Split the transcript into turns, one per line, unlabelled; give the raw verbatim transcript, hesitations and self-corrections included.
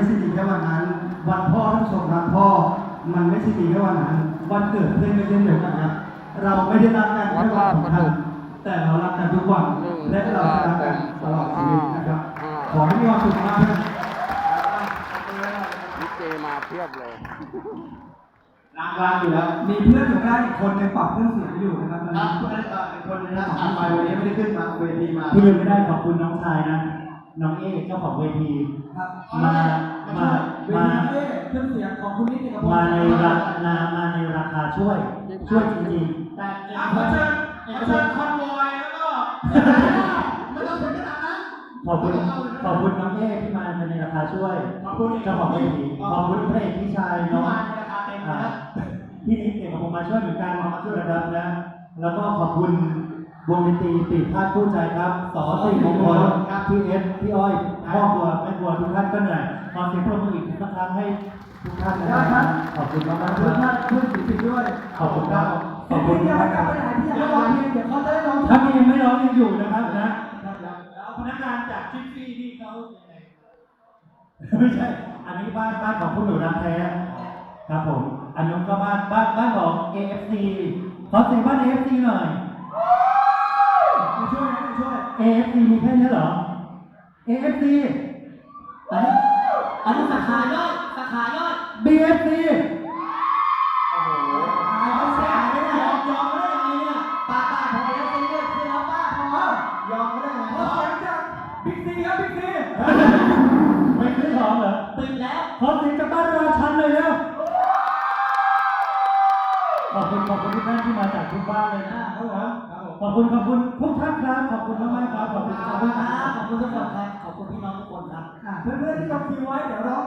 ใช่ดีแค่วันนั้นวันพ่อท่านชมรักพ่อมันไม่ใช่ดีแค่วันนั้นวันเกิดเพื่อนก็เช่นเดียวกันครับเราไม่ได้รักกันแค่วันสำคัญแต่เรารักกันทุกวันและเราจะรักกันตลอดชีวิตนะครับขอให้มีความสุขมากนะ
ลิเกมาเพียบเลย
รักรักอยู่แล้วมีเพื่อนอยู่ใกล้อีกคนในปรับเครื่องเสียงอยู่นะครับครับเพื่อนอีกคนนึงนะผ่านไปวันนี้ไม่ได้ขึ้นมาเวทีมาที่ลืมไม่ได้ขอบคุณน้องชายนะน้องเอ๊เจ้าของเวทีมามามาเครื่องเสียงของคุณนิติกับมาในราคามาในราคาช่วยช่วยจริงๆแต่ขอเชิญขอเชิญคอนวอยแล้วก็ไม่ต้องถึงขนาดนั้นขอบคุณขอบคุณน้องเอ๊ที่มาในราคาช่วยขอบคุณเจ้าของเวทีขอบคุณพระเอกพี่ชายน้องพี่นิดเอกผมมาช่วยเหมือนกันมาช่วยระดับนะแล้วก็ขอบคุณวงดนตรีปีพาดคู่ใจครับสอสี่มงคลครับพี่เอสพี่อ้อยพ่อบัวแม่บัวทุกท่านก็เหนื่อยขอเสียงปรบมืออีกสักครั้งให้ทุกท่านนะครับขอบคุณมากมากทุกท่านเพื่อนศิลปินด้วยขอบคุณครับขอบคุณครับเดี๋ยวร้องเพลงเดี๋ยวเขาจะได้ร้องถ้ามียังไม่ร้องยังอยู่นะครับนะแล้วพนักงานจากชิปซี่ที่เขาไม่ใช่อันนี้บ้านบ้านของคุณหนูรักแท้ครับผมอันนู้นก็บ้านบ้านบ้านของ เอ เอฟ ซี ขอเสียงบ้าน เอ เอฟ ซี หน่อยมาช่วยนะมาช่วย เอ เอฟ ซี มีแค่นี้เหรอ เอ เอฟ ซี อันนี้อันนี้สาขาย่อยสาขาย่อย บี เอฟ ซี โอ้โหเขาแสบไม่ได้ยอมยอมไม่ได้ยังไงเนี่ยป้าป้าพอแล้วซีเลยคือแล้วป้าพอยอมไม่ได้ยังไงขอเสียงจากบิ๊กซีครับบิ๊กซีไม่ซื้อของเหรอปิดแล้วขอเสียงจากบ้านราชันเลยแล้วขอบคุณขอบคุณทุกท่านที่มาจากทุกบ้านเลยนะครับผมขอบคุณขอบคุณทุกท่านครับขอบคุณมากมากครับขอบคุณขอบคุณครับขอบคุณทุกคนครับขอบคุณพี่น้องทุกคนครับเพื่อนๆที่ยกทีไว้เดี๋ยวร้อง